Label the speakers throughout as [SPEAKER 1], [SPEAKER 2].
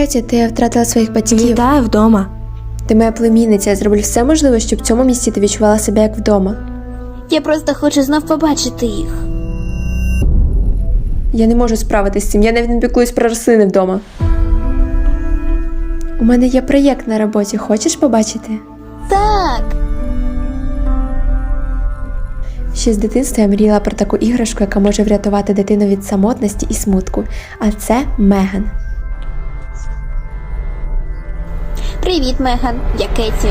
[SPEAKER 1] Кеті, ти втратила своїх батьків.
[SPEAKER 2] Вітаю вдома.
[SPEAKER 1] Ти моя племінниця, я зроблю все можливе, щоб в цьому місці ти відчувала себе як вдома.
[SPEAKER 3] Я просто хочу знов побачити їх.
[SPEAKER 1] Я не можу справитися з цим, я навіть не піклуюсь про рослини вдома. У мене є проєкт на роботі, хочеш побачити?
[SPEAKER 3] Так.
[SPEAKER 1] Ще з дитинства я мріяла про таку іграшку, яка може врятувати дитину від самотності і смутку. А це Меган.
[SPEAKER 3] Привіт, Меган. Я Кеті.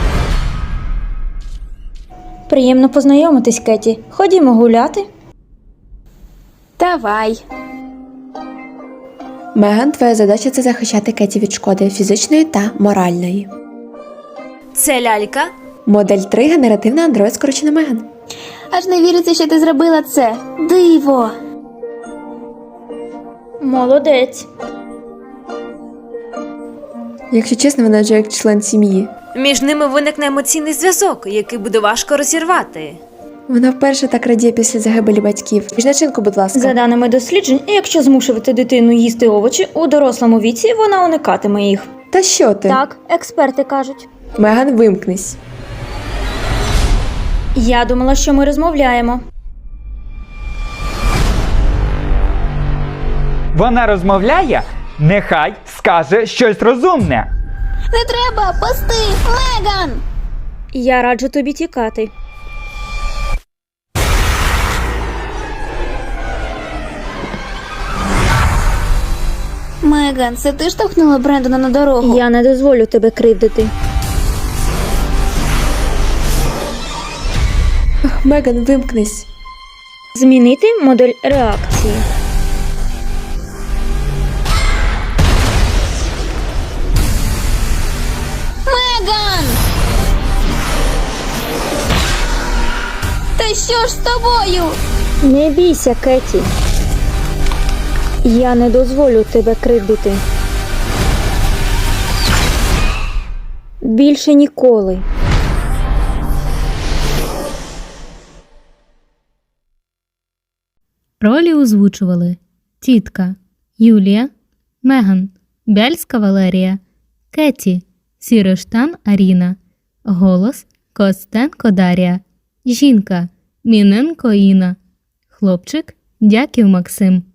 [SPEAKER 2] Приємно познайомитись, Кеті. Ходімо гуляти.
[SPEAKER 3] Давай.
[SPEAKER 1] Меган, твоя задача – це захищати Кеті від шкоди фізичної та моральної.
[SPEAKER 4] Це лялька?
[SPEAKER 1] Модель 3 – генеративна андроїд, скорочена Меган.
[SPEAKER 3] Аж не віриться, що ти зробила це. Диво.
[SPEAKER 2] Молодець.
[SPEAKER 1] Якщо чесно, вона вже як член сім'ї.
[SPEAKER 4] Між ними виникне емоційний зв'язок, який буде важко розірвати.
[SPEAKER 1] Вона вперше так радіє після загибелі батьків. Піж начинку, будь ласка.
[SPEAKER 2] За даними досліджень, якщо змушувати дитину їсти овочі, у дорослому віці вона уникатиме їх.
[SPEAKER 1] Та що ти?
[SPEAKER 2] Так, експерти кажуть.
[SPEAKER 1] Меган, вимкнись.
[SPEAKER 2] Я думала, що ми розмовляємо.
[SPEAKER 5] Вона розмовляє? Нехай скаже щось розумне.
[SPEAKER 3] Не треба, пусти, Меган!
[SPEAKER 2] Я раджу тобі тікати.
[SPEAKER 3] Меган, це ти штовхнула Брендона на дорогу?
[SPEAKER 2] Я не дозволю тебе кривдити.
[SPEAKER 1] Меган, вимкнись.
[SPEAKER 2] Змінити модель реакції.
[SPEAKER 3] Меган! Та що ж з тобою?
[SPEAKER 2] Не бійся, Кеті. Я не дозволю тебе кривдити. Більше ніколи.
[SPEAKER 6] Ролі озвучували тітка Юлія, Меган, Бяльська Валерія, Кеті, Сіроштан Аріна, голос Костенко Дар'я, жінка Міненко Інна, хлопчик Дяків Максим.